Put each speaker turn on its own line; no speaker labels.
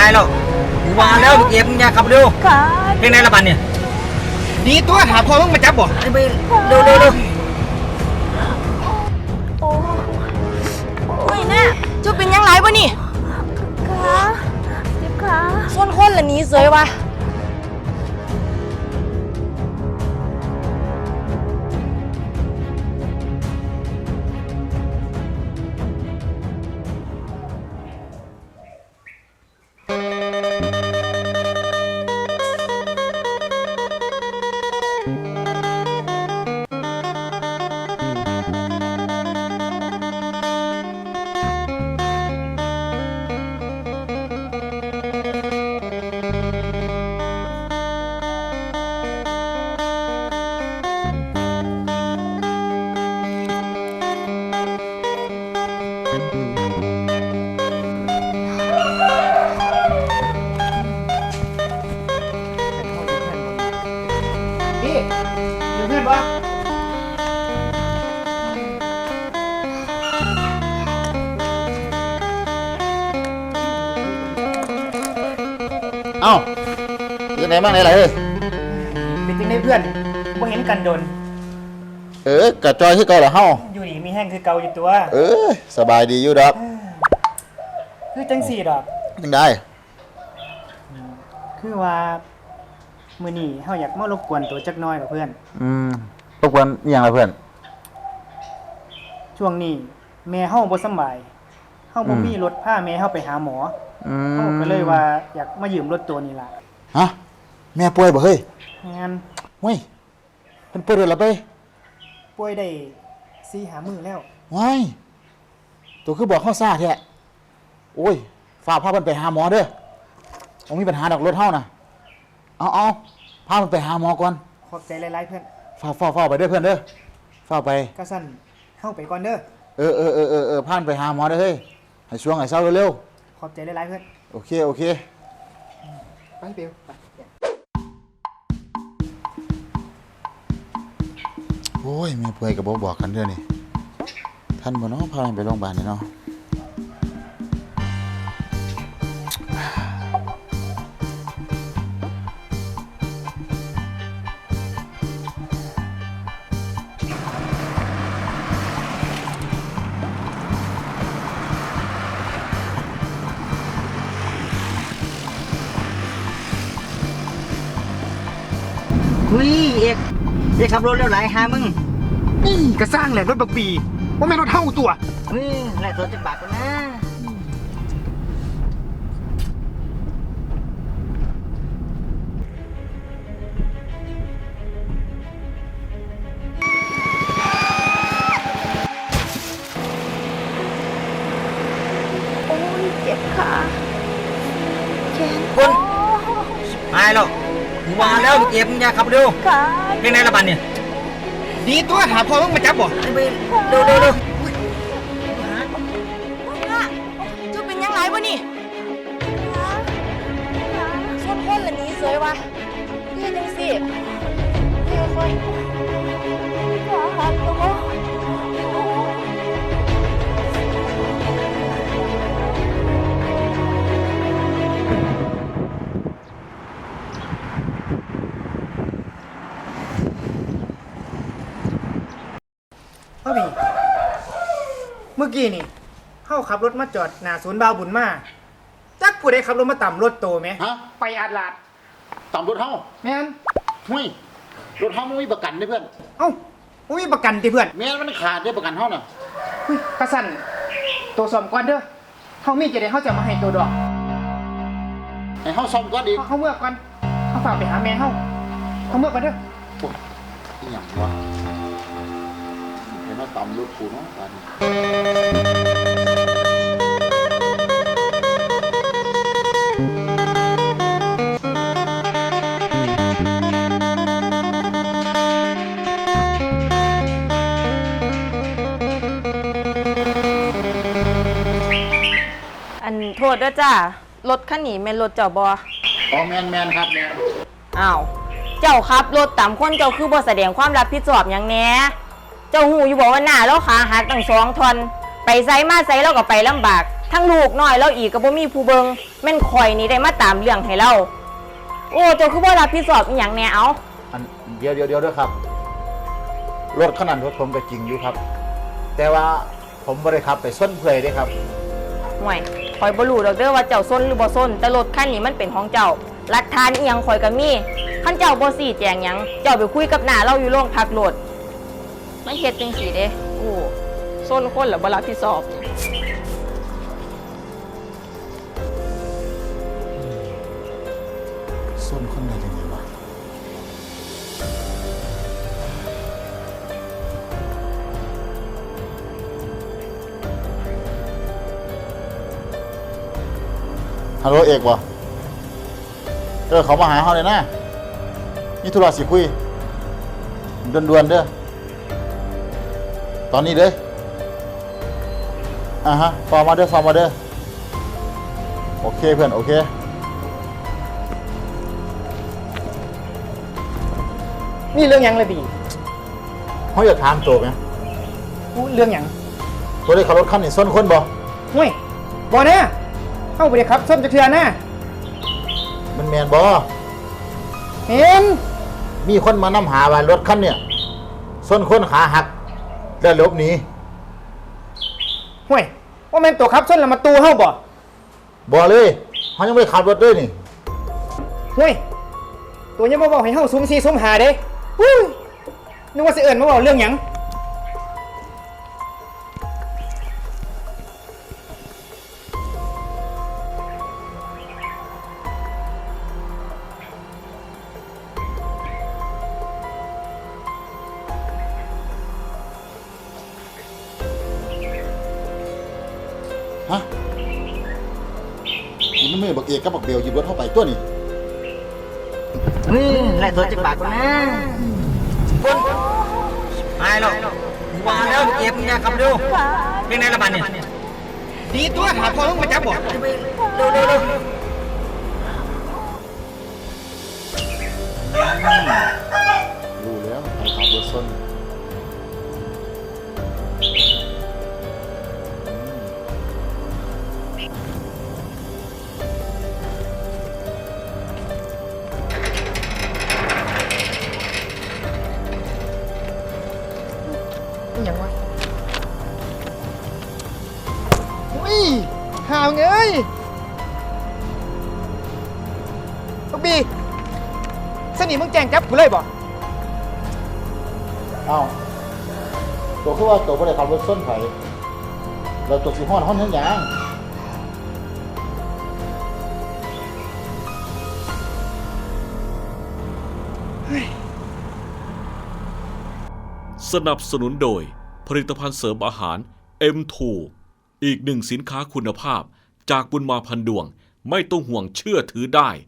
แล้วกูว่าแล้วเก็บมึงอย่าขับเร็ว
ค่ะ
เพลงไหนละบันเนี่ยดีตัวถามพ่อมึงมาจับบ่ไอ้ไปเร็ว
โอ้ยแน่จุเป็นยังไงวะนี่ขาเจ็บขาส้นคนละนี้เสยวะ
พี่อยู่เพื่อนปะ
เอ้ายังไงบ้างไหนล่ะเฮ้ย
เป็นจริงได้เพื่อนบ่เห็นกันโดน
กะจอยที่เก่าเหรอเฮา
อยู่ดีมีแห้งคือเก่าอยู่ตัว
สบายดีอยู่ดอก
คือจังสี่ดอก
ยังได้
คือว่ามื้อนี้เฮาอยากมารบกวนตัวจักหน้อยกับเพื่อน
รบกวนอหย่างไรเพื่อน
ช่วงนี้แม่เฮาบ่สำบายเฮาบ่มีรถพาแม่เฮาไปหาหมอเฮาก็เลยว่าอยากมายืมรถตัวนี้ล่ะ
ฮะแม่ป่วยบ่เฮ้ย
งั้น
เฮ้ยเพิ่นป่วยด้วยเหรอไป
ป่วยได้4-5 มื้อแล้ว
ว้ายตัวคือบอกเฮาซ่าแท้โอ้ยฝากพาเพิ่นไปหาหมอเด้อบ่มีปัญหาดอกรถเฮาน่ะเอาพาเพิ่นไปหาหมอก่อน
ขอบใจหลายๆเพื่อน
ฝ้าไปเด้อเพื่อนเด้อฝ้าไป
ก็สั่นเฮาไปก่อนเด้อ
พาเพิ่นไปหาหมอเด้อเฮ้ยให้ช่วงให้เช้าเร็ว
ขอบใจหลายๆเพื่อน
ๆโอเค
ไปเบลไป
โอ้ยแม่ป่วยก็บ่บอกกันเด้อนี่ท่านบ่เนาะพาไปโรงพยาบาลนี่เนาะ
คุยเอกขับรถเร็วไหลหามึงนี่ก็สร้างแหละรถบักปีว่าแม่นรถเท่าตัวนี่แหละตัวจะบาดกันนะ
โอ้ยเจ็บขาแขน
คนตายแล้วกูว่าแล้วเก็บมึงอย่าขับเร็ว
ขา
เพลงไหนละบันเนี่ยดีตัวถามพ่อมึงมาจับบ่ไอ้ไปเร็ว
จุเป็นยังไงวะนี่ส้นคนละนี้เสยวะเฮ้ยจังสิค่อยขาหักตัว
พ่อพี่เมื่อกี้นี่เฮาขับรถมาจอดหน้าศูนย์บาวบุญมาจักผู้ใดขับรถมาต่ำรถโตไหม
ฮะ
ไปอาดลาด
ตามรถเฮา
แม่น
เฮ้ยรถเฮามันมีประกันเด้อเพื่อน
เอ้าบ่มีประกันติเพื่อน
แม่นมันขาดเด้อประกันเฮาน่ะ
อุ้ยกระสั่นตัวสอมก่อนเด้อเฮามีจะได้เฮาจะมาให้ตัวดอก
ให้เฮาซ่อมก่อนอีก
เฮาเมื่อก่อนเฮาฝากไปหาแม่เฮาเมื่อก่อนเด้อ
โอ้ยอีหยังวะเห็นว่าตามรถกูเนาะบาดนี้
โทษด้วยจ้ารถคันนี้แม่นรถเจ้าบ่
อ๋อแม่นครับแม่น
อ้าวเจ้าขับรถตามคนเจ้าคือบ่แสดงความรับผิดชอบหยังแหน่เจ้าหูอยู่บอกว่าหน้าเราขาหักตั้ง2 ท่อนไปไสมาไสเราก็ไปลำบากทั้งลูกน้อยแล้วอีกก็บ่มีผู้เบิงแม่นข่อยนี่ได้มาตามเรื่องให้เราโอ้เจ้าคือบ่รับผิดชอบอีหยังแน่เอา
อันเดี๋ยวด้วยครับรถขนาดรถผมก็จริงอยู่ครับ แต่ว่าผมบ่ได้ขับไปส้นเพื่อยเด้ครับ
ห่วยข่อยบ่รู้ดอกเด้อว่าเจ้าซนหรือบ่ซนแต่รถคันนี้มันเป็นของเจ้าหลักฐานอีหยังข่อยก็มีคันเจ้าบ่ซี้แจงหยังเจ้าไปคุยกับหน้าเราอยู่โรงพักโลดมันเฮ็ดจังซี่เด้โอ้ซนคนแล้วบ่รับผิดชอบ
ส้นคนไหนจังไงวะฮัลโหลเอกวะเขามาหาเขาเลยนะนี่ธุระสิคุยด่วนๆเด้อตอนนี้เลยฟอร์มาเด้อโอเคเพื่อนโอเค
นี่เรื่องหยังเลยบี
เขาอยากถามตัวไหม
กูเรื่องหยัง
ตัวได้ขับรถคันนี้ส้นคนบ่
ห่วยบ่แน่เฮาบ่ได้ขับส้นจักเทื่อนะ
มันแมนบ่
เห็น
มีคนมานำหาว่ารถคันเนี่ยส้นคนขาหักแล้วหลบหนี
ห่วยว่าแม่นตัวขับส้นแล้วมาตูเฮาบ่
บ่เลยเขายังไม่ขับรถด้วยนี่
ห่วยตัวยังมาบอกให้เฮาซุ่ม4ซุ่ม5เด้ฮู้ยนึกว่าสิเอิ้นมาบอกเรื่องหยัง
ฮะนี่มันไม่บักเอกกับบักเบลหยิบรถเข้าไปตัวนี่
ไล่ตัวจะปากกูนะปุ่นไอ้หรอกว่าแล้วเก็บเนี่ยขับดูเป็นไงละบันเนี่ย
ดีตัวหาพ่อมึงมาจับบ่
เร็ว
รู้แล้วใครขับรถส้น
อิหยังวะอุ้ยหาวเอ้ยลูกบีสนิทมึงแจ้งจับกูเลยบ่
อ้าวตัวคือว่าตัวบ่ได้ขับรถส้นไผแล้วตัวสิฮ้อนเฮ็ดหยัง
สนับสนุนโดยผลิตภัณฑ์เสริมอาหาร M2 อีกหนึ่งสินค้าคุณภาพจากบุญมาพันดวงไม่ต้องห่วงเชื่อถือได้